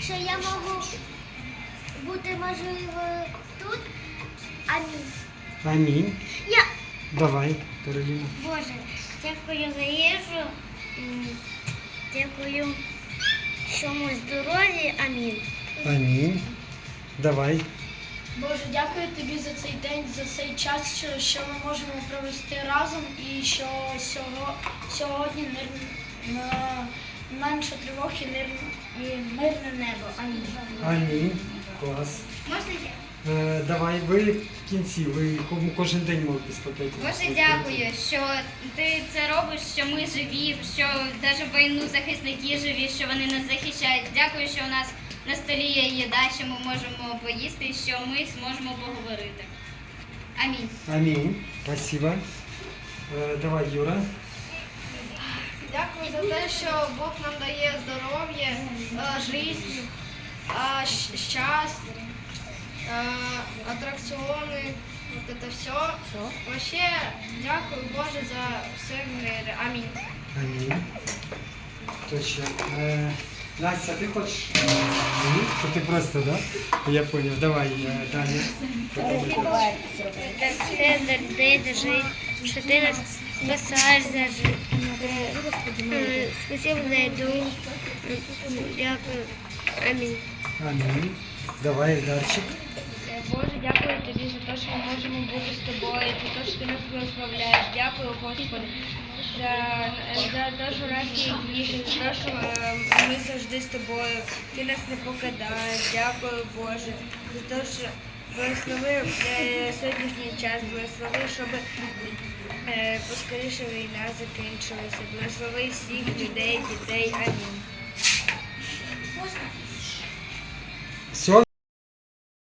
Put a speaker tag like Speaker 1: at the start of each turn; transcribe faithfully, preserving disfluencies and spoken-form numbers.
Speaker 1: що я можу бути, можливо, тут. Амінь.
Speaker 2: Амінь.
Speaker 1: Я,
Speaker 2: Давай, Кароліна.
Speaker 1: Боже, дякую за їжу. М, Дякую, що ми здорові. Амінь.
Speaker 2: Амінь. Давай.
Speaker 3: Боже, дякую тобі за цей день, за цей час, що, що ми можемо провести разом і що сього, сьогодні мир, на, менше тривог і, мир, і мирне небо. Амінь.
Speaker 2: Амінь. Клас.
Speaker 1: Можна я?
Speaker 2: Е, давай, ви в кінці, ви ко- кожен день можете спитати.
Speaker 4: Боже, дякую, що ти це робиш, що ми живі, що навіть в війну захисники живі, що вони нас захищають. Дякую, що у нас на столі є їда, що ми можемо поїсти, що ми зможемо поговорити. Амінь.
Speaker 2: Амінь. Спасибо. Е, давай, Юра.
Speaker 3: Дякую за те, що Бог нам дає здоров'я, е, життя, е, щ- щастя, е, атракціони, вот это все. Вообще, дякую Боже за все в мирі. Амінь.
Speaker 2: Амінь. Точно. Е, Настя, ти хочеш? Ні? То ти просто, да? Я понял. Давай, е, далі.
Speaker 1: Це завжди держить, що ти нас спасаєш завжди. Спасибо за їду. Дякую. Амінь.
Speaker 2: Амінь. Давай, Дарчик.
Speaker 3: Боже, дякую тобі за те, що ми можемо бути з тобою, за те, що ти нас благословляєш. Дякую, Господи, за, за те, що у нас є їжа, за те, що е, ми завжди з тобою. Ти нас не покидаєш. Дякую, Боже, за те, що благослови е, сьогоднішній час, благослови, щоб е, поскоріше війна закінчилася. Благослови всіх людей, дітей. Амінь.
Speaker 2: Все?